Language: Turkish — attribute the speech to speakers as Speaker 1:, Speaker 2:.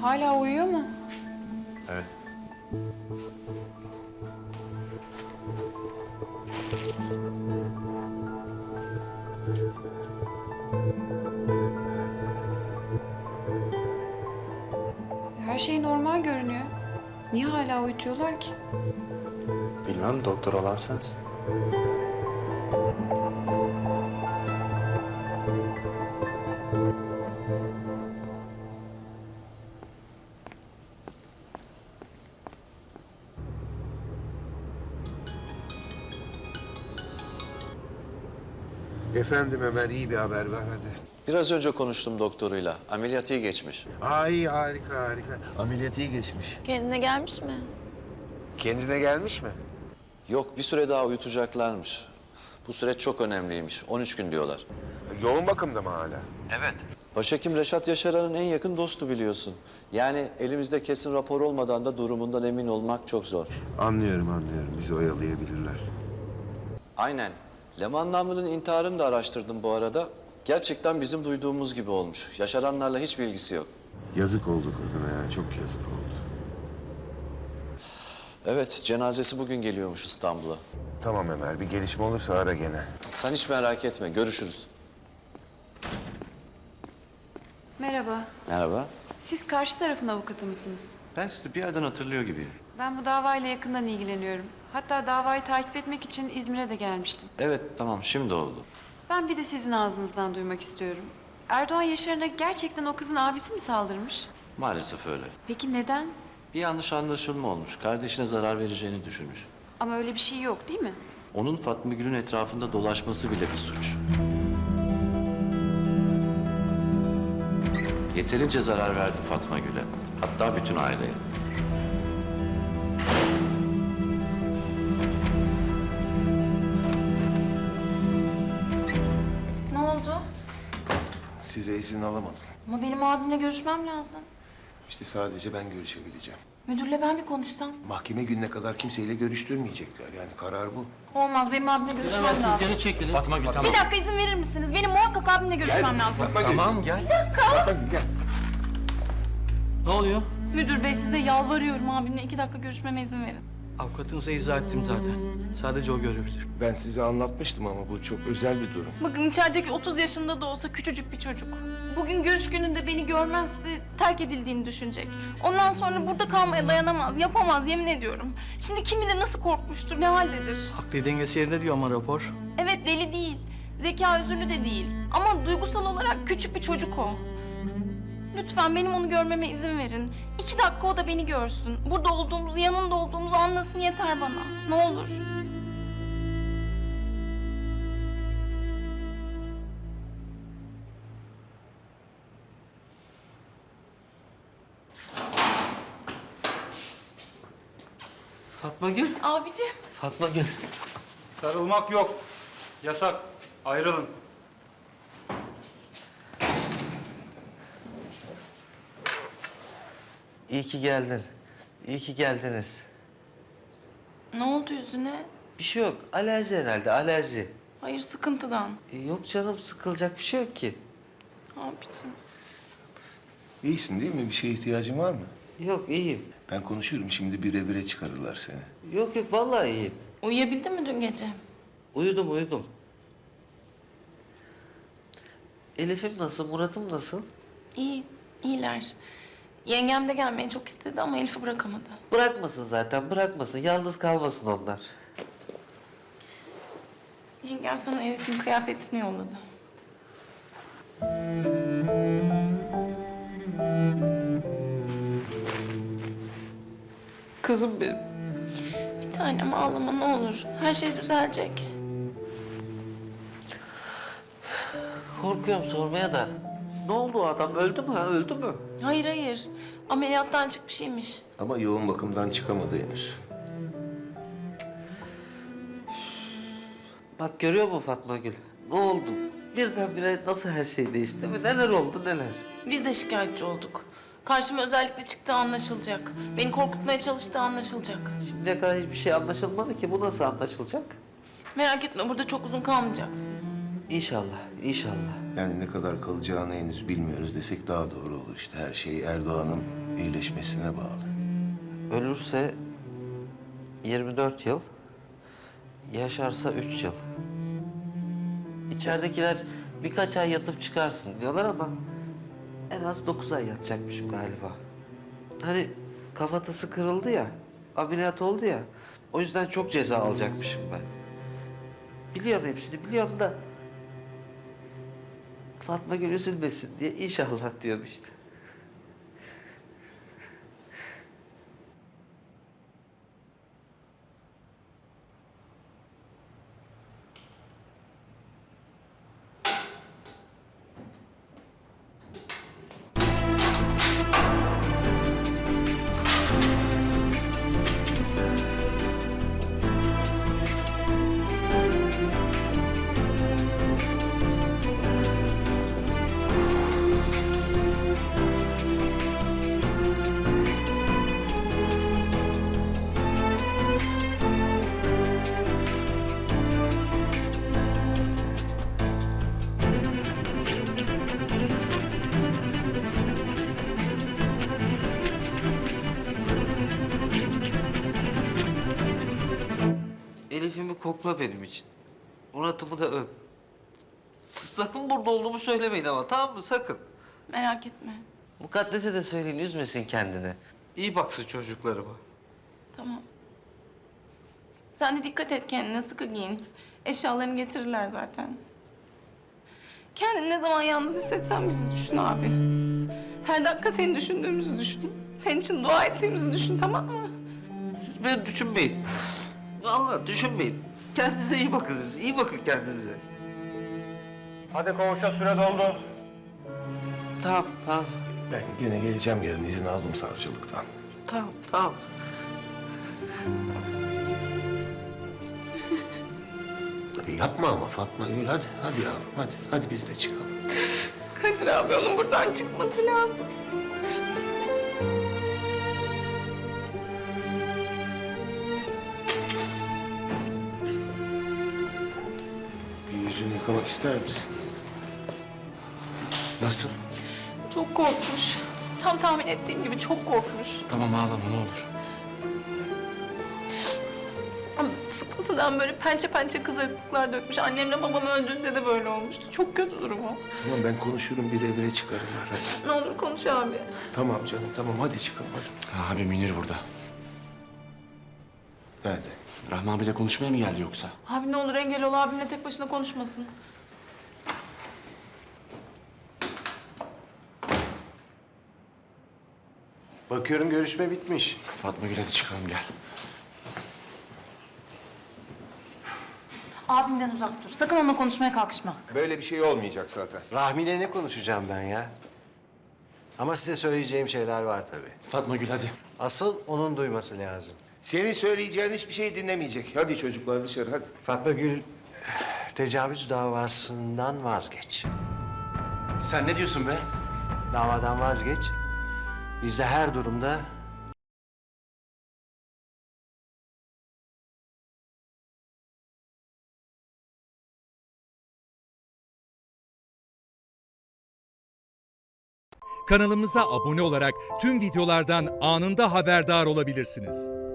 Speaker 1: Hala uyuyor mu?
Speaker 2: Evet.
Speaker 1: Her şey normal görünüyor. Niye hala uyutuyorlar ki?
Speaker 2: Bilmem, doktor olan sensin.
Speaker 3: Efendim Ömer, iyi bir haber ver hadi.
Speaker 4: Biraz önce konuştum doktoruyla. Ameliyat iyi geçmiş.
Speaker 3: İyi, harika harika. Ameliyat iyi geçmiş.
Speaker 5: Kendine gelmiş mi?
Speaker 3: Kendine gelmiş mi?
Speaker 4: Yok, bir süre daha uyutacaklarmış. Bu süreç çok önemliymiş. 13 gün diyorlar.
Speaker 3: Yoğun bakımda mı hala?
Speaker 4: Evet. Başhekim Reşat Yaşaran'ın en yakın dostu biliyorsun. Yani elimizde kesin rapor olmadan da durumundan emin olmak çok zor.
Speaker 3: Anlıyorum. Bizi oyalayabilirler.
Speaker 4: Aynen. Leman Namlı'nın intiharını da araştırdım bu arada. Gerçekten bizim duyduğumuz gibi olmuş. Yaşaranlarla hiç bilgisi yok.
Speaker 3: Yazık oldu kadına ya, çok yazık oldu.
Speaker 4: Evet, cenazesi bugün geliyormuş İstanbul'a.
Speaker 3: Tamam Ömer, bir gelişme olursa ara gene.
Speaker 4: Sen hiç merak etme, görüşürüz.
Speaker 1: Merhaba.
Speaker 4: Merhaba.
Speaker 1: Siz karşı tarafın avukatı mısınız?
Speaker 4: Ben sizi bir yerden hatırlıyor gibiyim.
Speaker 1: Ben bu davayla yakından ilgileniyorum. Hatta davayı takip etmek için İzmir'e de gelmiştim.
Speaker 4: Evet, tamam, şimdi oldu.
Speaker 1: Ben bir de sizin ağzınızdan duymak istiyorum. Erdoğan Yaşar'ına gerçekten o kızın abisi mi saldırmış?
Speaker 4: Maalesef öyle.
Speaker 1: Peki neden?
Speaker 4: Bir yanlış anlaşılma olmuş. Kardeşine zarar vereceğini düşünmüş.
Speaker 1: Ama öyle bir şey yok değil mi?
Speaker 4: Onun Fatma Gül'ün etrafında dolaşması bile bir suç. Yeterince zarar verdi Fatma Gül'e. Hatta bütün aileye.
Speaker 5: Ne oldu?
Speaker 3: Size izin alamadım.
Speaker 5: Ama benim abimle görüşmem lazım.
Speaker 3: İşte sadece ben görüşebileceğim.
Speaker 5: Müdürle ben bir konuşsam.
Speaker 3: Mahkeme gününe kadar kimseyle görüştürmeyecekler. Yani karar bu.
Speaker 5: Olmaz, benim abimle görüşmem lazım.
Speaker 6: Geri çekilin. Fatma Gül tamam.
Speaker 5: Bir dakika izin verir misiniz? Benim muhakkak abimle görüşmem lazım.
Speaker 6: Tamam gel.
Speaker 3: Fatma Gül, gel.
Speaker 6: Ne oluyor?
Speaker 5: Müdür bey size yalvarıyorum abimle 2 dakika görüşmeme izin verin.
Speaker 6: Avukatınıza izah ettim zaten. Sadece o görebilir.
Speaker 3: Ben size anlatmıştım ama bu çok özel bir durum.
Speaker 5: Bakın içerideki 30 yaşında da olsa küçücük bir çocuk. Bugün görüş gününde beni görmezse terk edildiğini düşünecek. Ondan sonra burada kalmaya dayanamaz, yapamaz yemin ediyorum. Şimdi kim bilir nasıl korkmuştur, ne haldedir.
Speaker 6: Akli dengesi yerinde diyor ama rapor.
Speaker 5: Evet deli değil, zeka özürlü de değil. Ama duygusal olarak küçük bir çocuk o. Lütfen benim onu görmeme izin verin. 2 dakika o da beni görsün. Burada olduğumuzu, yanında olduğumuzu anlasın yeter bana. Ne olur.
Speaker 6: Fatma Gül.
Speaker 5: Abicim.
Speaker 6: Fatma Gül.
Speaker 7: Sarılmak yok. Yasak. Ayrılın.
Speaker 8: İyi ki geldin. İyi ki geldiniz.
Speaker 5: Ne oldu yüzüne?
Speaker 8: Bir şey yok. Alerji herhalde, alerji.
Speaker 5: Hayır sıkıntıdan.
Speaker 8: Yok canım, sıkılacak bir şey yok ki.
Speaker 5: Abicim.
Speaker 3: İyisin değil mi? Bir şeye ihtiyacın var mı?
Speaker 8: Yok, iyiyim.
Speaker 3: Ben konuşurum. Şimdi bir revire çıkarırlar seni.
Speaker 8: Yok, vallahi iyiyim.
Speaker 5: Uyuyabildin mi dün gece?
Speaker 8: Uyudum. Elif'im nasıl, Murat'ım nasıl?
Speaker 5: İyi, iyiler. Yengem de gelmeyi çok istedi ama Elif'i bırakamadı.
Speaker 8: Bırakmasın zaten, bırakmasın. Yalnız kalmasın onlar.
Speaker 5: Yengem sana Elif'in kıyafetini yolladı.
Speaker 8: Kızım benim.
Speaker 5: Bir tanem ağlama ne olur. Her şey düzelecek.
Speaker 8: Korkuyorum sormaya da. Ne oldu o adam? Öldü mü ha? Öldü mü?
Speaker 5: Hayır hayır. Ameliyattan çıkmışymış.
Speaker 3: Ama yoğun bakımdan çıkamadı henüz.
Speaker 8: Bak görüyor musun Fatma Gül? Ne oldu? Birdenbire nasıl her şey değişti değil mi? Neler oldu neler?
Speaker 5: Biz de şikayetçi olduk. Karşıma özellikle çıktığı anlaşılacak. Beni korkutmaya çalıştığı anlaşılacak.
Speaker 8: Şimdiye kadar hiçbir şey anlaşılmadı ki. Bu nasıl anlaşılacak?
Speaker 5: Merak etme burada çok uzun kalmayacaksın.
Speaker 8: İnşallah, inşallah.
Speaker 3: Yani ne kadar kalacağını henüz bilmiyoruz desek daha doğru olur. İşte her şey Erdoğan'ın iyileşmesine bağlı.
Speaker 8: Ölürse 24 yıl, yaşarsa 3 yıl. İçeridekiler birkaç ay yatıp çıkarsın diyorlar ama en az 9 ay yatacakmışım galiba. Hani kafatası kırıldı ya, ameliyat oldu ya. O yüzden çok ceza alacakmışım ben. Biliyorum hepsini, biliyorum da Fatma Gül üzülmesin diye inşallah diyorum işte. Elif'imi kokla benim için. Murat'ımı da öp. Sakın burada olduğumu söylemeyin ama, tamam mı? Sakın.
Speaker 5: Merak etme.
Speaker 8: Mukaddes'e de söyleyin, üzmesin kendini. İyi baksın çocuklarıma.
Speaker 5: Tamam. Sen de dikkat et kendine, sıkı giyin. Eşyalarını getirirler zaten. Kendini ne zaman yalnız hissetsen bizi düşün abi. Her dakika seni düşündüğümüzü düşün. Senin için dua ettiğimizi düşün, tamam mı?
Speaker 8: Siz beni düşünmeyin. Vallahi düşünmeyin. Kendinize iyi bakın siz. İyi bakın kendinize.
Speaker 7: Hadi koğuşa süre doldu.
Speaker 8: Tamam, tamam.
Speaker 3: Ben gene geleceğim yarın, izin aldım savcılıktan.
Speaker 8: Tamam, tamam.
Speaker 3: Tabii yapma ama Fatma Gül, hadi. Hadi yavrum, hadi. Hadi biz de çıkalım.
Speaker 5: Kadir abi onun buradan çıkması lazım.
Speaker 3: Bir yüzünü yıkamak ister misin?
Speaker 2: Nasıl?
Speaker 5: Çok korkmuş. Tam tahmin ettiğim gibi çok korkmuş.
Speaker 2: Tamam ağlama ne olur.
Speaker 5: Ama sıkıntıdan böyle pençe pençe kızarıklıklar dökmüş. Annemle babam öldüğünde de böyle olmuştu. Çok kötü durumu.
Speaker 3: Tamam ben konuşurum, bir evre çıkarım. Hadi.
Speaker 5: Ne olur konuş abi.
Speaker 3: Tamam canım, tamam. Hadi çıkalım, hadi.
Speaker 2: Abi Münir burada.
Speaker 3: Nerede?
Speaker 2: Rahmi abiyle konuşmaya mı geldi yoksa?
Speaker 5: Abi ne olur engel ol, abimle tek başına konuşmasın.
Speaker 2: Bakıyorum görüşme bitmiş. Fatma Gül hadi çıkalım gel.
Speaker 5: Abimden uzak dur. Sakın onunla konuşmaya kalkışma.
Speaker 3: Böyle bir şey olmayacak zaten.
Speaker 9: Rahmi'yle ne konuşacağım ben ya? Ama size söyleyeceğim şeyler var tabii.
Speaker 2: Fatma Gül hadi.
Speaker 9: Asıl onun duyması lazım.
Speaker 3: Senin söyleyeceğin hiçbir şey dinlemeyecek. Hadi çocuklar dışarı, hadi.
Speaker 9: Fatma Gül, tecavüz davasından vazgeç.
Speaker 2: Sen ne diyorsun be?
Speaker 9: Davadan vazgeç. Biz de her durumda
Speaker 10: Kanalımıza abone olarak tüm videolardan anında haberdar olabilirsiniz.